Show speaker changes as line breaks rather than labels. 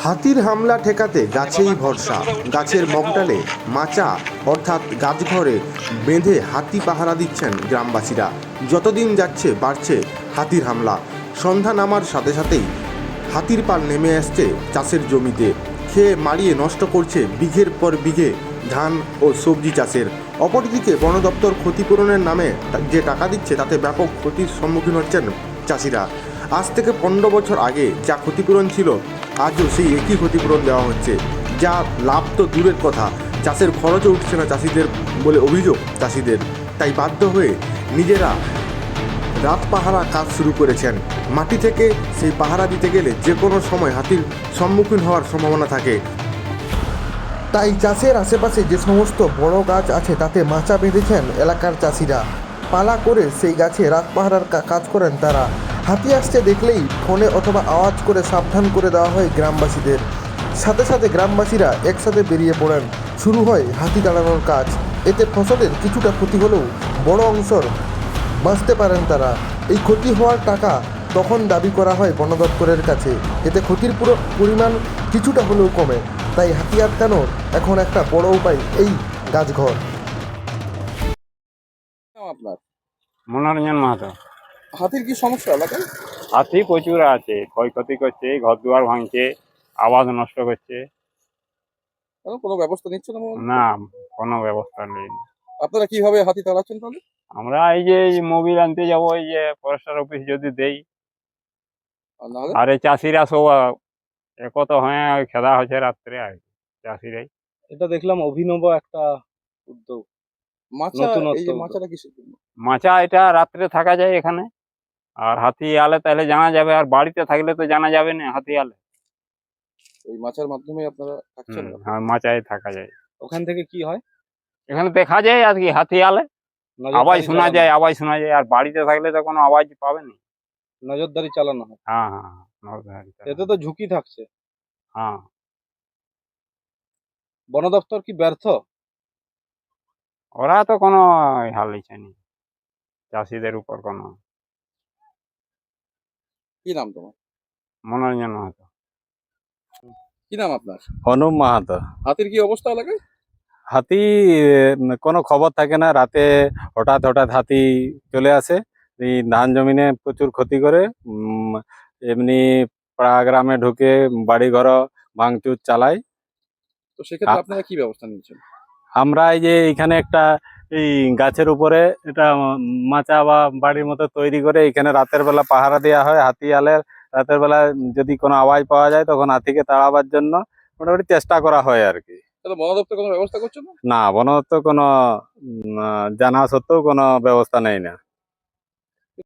হাতির হামলা ঠেকাতে গাছেই ভরসা। গাছের মগডালে মাচা অর্থাৎ গাছঘরে বেঁধে হাতি পাহারা দিচ্ছেন গ্রামবাসীরা। যতদিন যাচ্ছে বাড়ছে হাতির হামলা। সন্ধ্যা নামার সাথে সাথেই হাতির পাল নেমে আসছে চাষের জমিতে, খেয়ে মারিয়ে নষ্ট করছে বিঘের পর বিঘে ধান ও সবজি চাষের। অপরদিকে বন দপ্তর ক্ষতিপূরণের নামে যে টাকা দিচ্ছে তাতে ব্যাপক ক্ষতির সম্মুখীন হচ্ছেন চাষিরা। আজ থেকে 15 বছর আগে যা ক্ষতিপূরণ ছিল আজও সেই একই ক্ষতিপূরণ দেওয়া হচ্ছে। যা লাভ তো দূরের কথা, চাষের খরচও উঠছে না চাষিদের বলে অভিযোগ চাষিদের। তাই বাধ্য হয়ে নিজেরা রাত পাহারা কাজ শুরু করেছেন। মাটি থেকে সেই পাহারা দিতে গেলে যে কোনো সময় হাতির সম্মুখীন হওয়ার সম্ভাবনা থাকে। তাই চাষের আশেপাশে যে সমস্ত বড় গাছ আছে তাতে মাচা বেঁধেছেন এলাকার চাষিরা। পালা করে সেই গাছে রাত পাহারার কাজ করেন তারা। হাতি আসছে দেখলেই ফোনে অথবা আওয়াজ করে সাবধান করে দেওয়া হয় গ্রামবাসীদের। সাথে সাথে গ্রামবাসীরা একসাথে বেরিয়ে পড়েন। শুরু হয় হাতি তাড়ানোর কাজ। এতে ফসলের কিছুটা ক্ষতি হলেও বড় অংশর বাঁচতে পারেন তারা। এই ক্ষতি হওয়ার টাকা তখন দাবি করা হয় বন দপ্তরের কাছে। এতে ক্ষতির পুরো পরিমাণ কিছুটা হলেও কমে। তাই হাতি আটকানোর এখন একটা বড় উপায় এই গাছঘর।
আপনার
মনোরঞ্জন মাহাতো।
হাতির কি সমস্যা এলাকায়?
হাতি প্রচুর আছে, ক্ষয়ক্ষতি করছে, ঘর দুয়ার ভাঙছে, আবাদ নষ্ট করছে।
কোনো ব্যবস্থা নিচ্ছে না বলুন?
না, কোনো ব্যবস্থা নেই।
আপনারা কিভাবে হাতি তাড়াচ্ছেন তাহলে?
আমরা এই যে মোবিল আনতে যাবো, এই যে ফরেস্টার অফিস যদি দেই।
আর নাহলে
আর এই চাষিরা সব একত হয়ে খেলা হচ্ছে রাত্রে আর কি, চাষিরাই।
এটা দেখলাম অভিনব একটা উদ্যোগ।
মাচা,
নতুনত্ব
এই যে
উদ্যোগ।
মাচাটা কিসের জন্য?
মাচা এটা রাত্রে থাকা যায় এখানে। আর হাতি আলে তাহলে জানা যাবে, আর বাড়িতে থাকলে তো জানা যাবে না হাতি আলে।
ওই মাচার মাধ্যমে আপনারা থাকছেন?
হ্যাঁ, মাচায় থাকা যায়।
ওখান থেকে কি হয়?
এখানে দেখা যায় আর কি হাতি আলে আওয়াজ
নজরদারি
শোনা
চালানো
যায়, আওয়াজ শোনা যায়। আর বাড়িতে থাকলে তো কোনো আওয়াজ পাবে না।
নজরদারি চালানো হয়।
হ্যাঁ হ্যাঁ হ্যাঁ, নজরদারি চালানো।
এতে তো ঝুঁকি থাকছে।
হ্যাঁ,
বন দপ্তর কি ব্যর্থ?
ওরা তো কোনো হাল নিচ্ছে নি চাষিদের উপর কোনো।
কি নাম তোমার?
মনোরঞ্জন মাহাতো।
কি নাম আপনার?
অনুপ মাহাতো।
হাতির কি অবস্থা এলাকায়?
হাতি কোনো খবর থাকে না, রাতে হঠাৎ হঠাৎ হাতি চলে আসে, এই ধান জমিনে প্রচুর ক্ষতি করে। এমনি পাড়া গ্রামে ঢুকে বাড়ি ঘর ভাঙচুর চালায়।
তো সেক্ষেত্রে আপনারা কি ব্যবস্থা নিচ্ছেন?
আমরা এই যে এখানে একটা এই গাছের উপরে এটা মাচা বা বাড়ির মতো তৈরি করে এখানে রাতের বেলা পাহারা দেওয়া হয়। হাতি আলে রাতের বেলা যদি কোনো আওয়াজ পাওয়া যায় তখন হাতিকে তাড়াবার জন্য মোটামুটি চেষ্টা করা হয় আর কি।
তাহলে বন দপ্তর কোনো ব্যবস্থা করছে না?
না, বন দপ্তর কোনো জানা সত্ত্বেও কোনো ব্যবস্থা নেই না।